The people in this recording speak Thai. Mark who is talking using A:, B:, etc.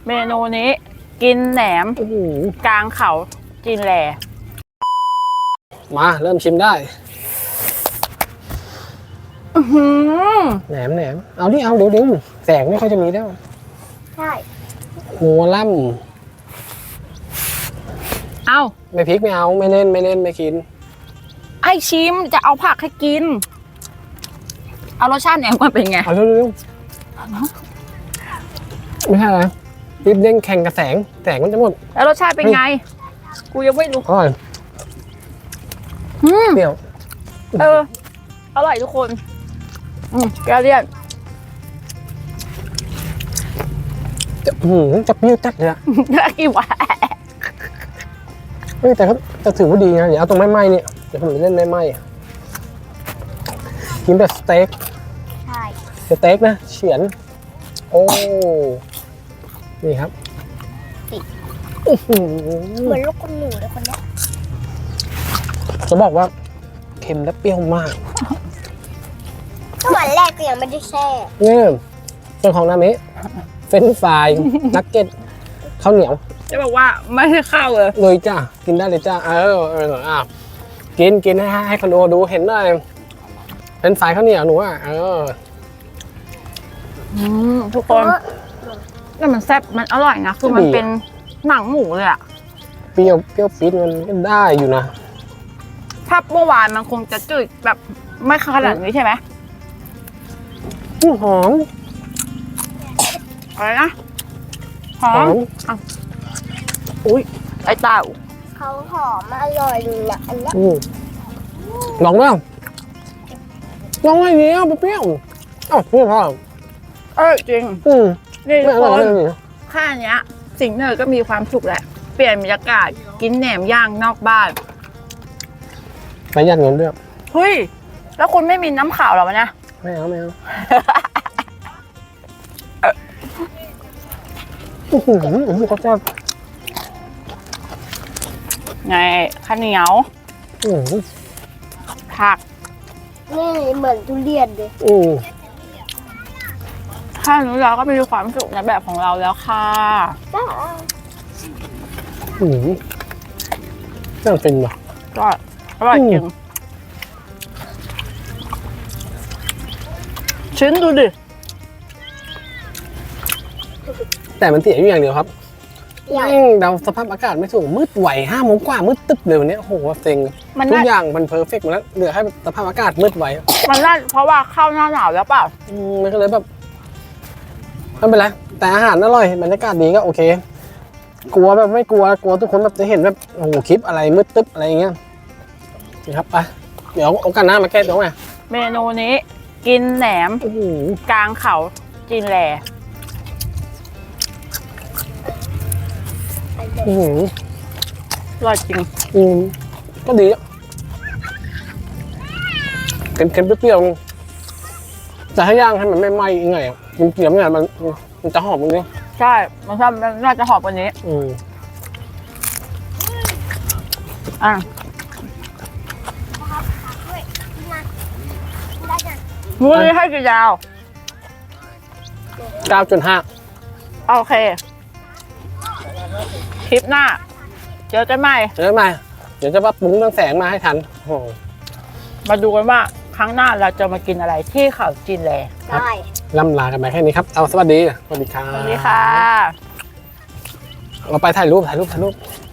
A: เมนูนี้กินแหนมกลางเขาจีนแหล
B: มาเริ่มชิมได้แหนมเอาดิเอาเดี๋ยวแสงไม่ค่อยจะมีแล้ว
C: ใช่
B: หัวล่
A: ำเอา
B: ไม่พริกไม่เอาไม่เล่นไม่กิน
A: ไอชิมจะเอาผักให้กินเอารสชาติแหนมก่อนเป็นไง
B: เอาเร็วไม่ใช่อะไรรีบเด้งแข่งกับแสงมันจะหมด
A: แล้วรสชาติเป็นไงกูยังไม่รู้
B: อร่อยเปรี้ยว
A: อร่อยทุกคนแกเลี่ยน
B: จะเปรี้ยวจัดเลยอะ
A: กี่วะ
B: แต่ก็จะถือว่าดีนะเดี๋ยวเอาตรงไหม้เนี่ยเดี๋ยวผมจะเล่นไหม้กินแบบสเต็ก
C: ใช่
B: สเต็กนะเฉือนโอ้นี่ครับ
C: เหมือนลูกคนหนูเลยคนนี้
B: จะบอกว่าเค็มและเปรี้ยวมาก
C: ก็วันแรกก็ยังไม่ได้แช่
B: นี่ส่วนของนามิเฟรนช์ฟรายนักเก็ตข้าวเหนียว
A: จะบอกว่าไม่ใช่ข้าว
B: เลยจ้ากินได้เลยจ้ากินให้คนดูเห็นได้เป็นสายข้าวเหนียวหนู
A: ทุกคนแต่มันแซ่บมันอร่อยนะคือมันเป็นหนังหมูเลยอะ
B: เปรี้ยวปี๊ดมันได้อยู่นะ
A: ถ้าเมื่อวานมันคงจะจืดแบบไม่ขนาดนี้ใช่ไหม
B: หอม
A: อะไรนะหอมอุ้ยไอ้เต่า
C: เขาหอมอร่อยอยู่นะอันนี้
B: ลองไหมลองไอ้นี้เปรี้ยวพี่พ่อ
A: จริงนี่ทุกคนแค่นี้สิ่งเนยก็มีความสุขแหละเปลี่ยนบรรยากาศกินแหนมย่างนอกบ้าน
B: ประหยัดเงินด้วย
A: เฮ้ยแล้วคุณไม่มีน้ำขาวหรอวะเนี่ย
B: ไม่เอาเขาจะ
A: ไงข้าวเหนียวผัก
C: นี่เหมือนทุเรียนเลย
A: ถ้านี้เราก็มีความสุขในแบบของเราแล้วค่ะ
B: น่าเป็นว่ะ
A: ก็อร่อยจริงชิ้นดูดิ
B: แต่มันเสียอยู่อย่างเดียวครับเราสภาพอากาศไม่ถูกมืดไหว5 โมงกว่ามืดตึ๊บเลยวันนี้โอ้โหเซ็งทุกอย่างมันเพอร์เฟกต์หมดแล้วเหลือให้สภาพอากาศมืดไหว
A: มันน่าเพราะว่าเข้าหน้าหนาวแล้วเปล่า
B: มันก็เลยแบบไม่เป็นไรแต่อาหารอร่อยบรรยากาศดีก็โอเคกลัวแบบไม่กลัวทุกคนแบบจะเห็นแบบโอ้โหคลิปอะไรมืดตึ๊บอะไรอย่างเงี้ยนี่ครับไปเดี๋ยวโอกาสหน้ามาแก้ตัวไง
A: เมนูนี้กินแหนมกลางเขาจีนแหลอร่อยจริง
B: ก็ดีเค็มๆเปรี้ยวๆจะให้ย่างให้มันไม่ไหม้ยังไงมันเกลี่ยมไงมันจะหอมตรงนี้
A: ใช่มันน่าจะหอมกว่านี้มื้อนี้ให้กี่ดาว
B: 9.5
A: โอเคคลิปหน้าเจอกันใหม่
B: เดี๋ยวจะปรุงเรื่องแสงมาให้ทัน
A: มาดูกันว่าครั้งหน้าเราจะมากินอะไรที่เขาจีนแหล
C: ได้
B: ล่ำลากันไปแค่นี้ครับเอาสวัสดีครับ
A: สวัสดีค่ะ
B: เราไปถ่ายรูป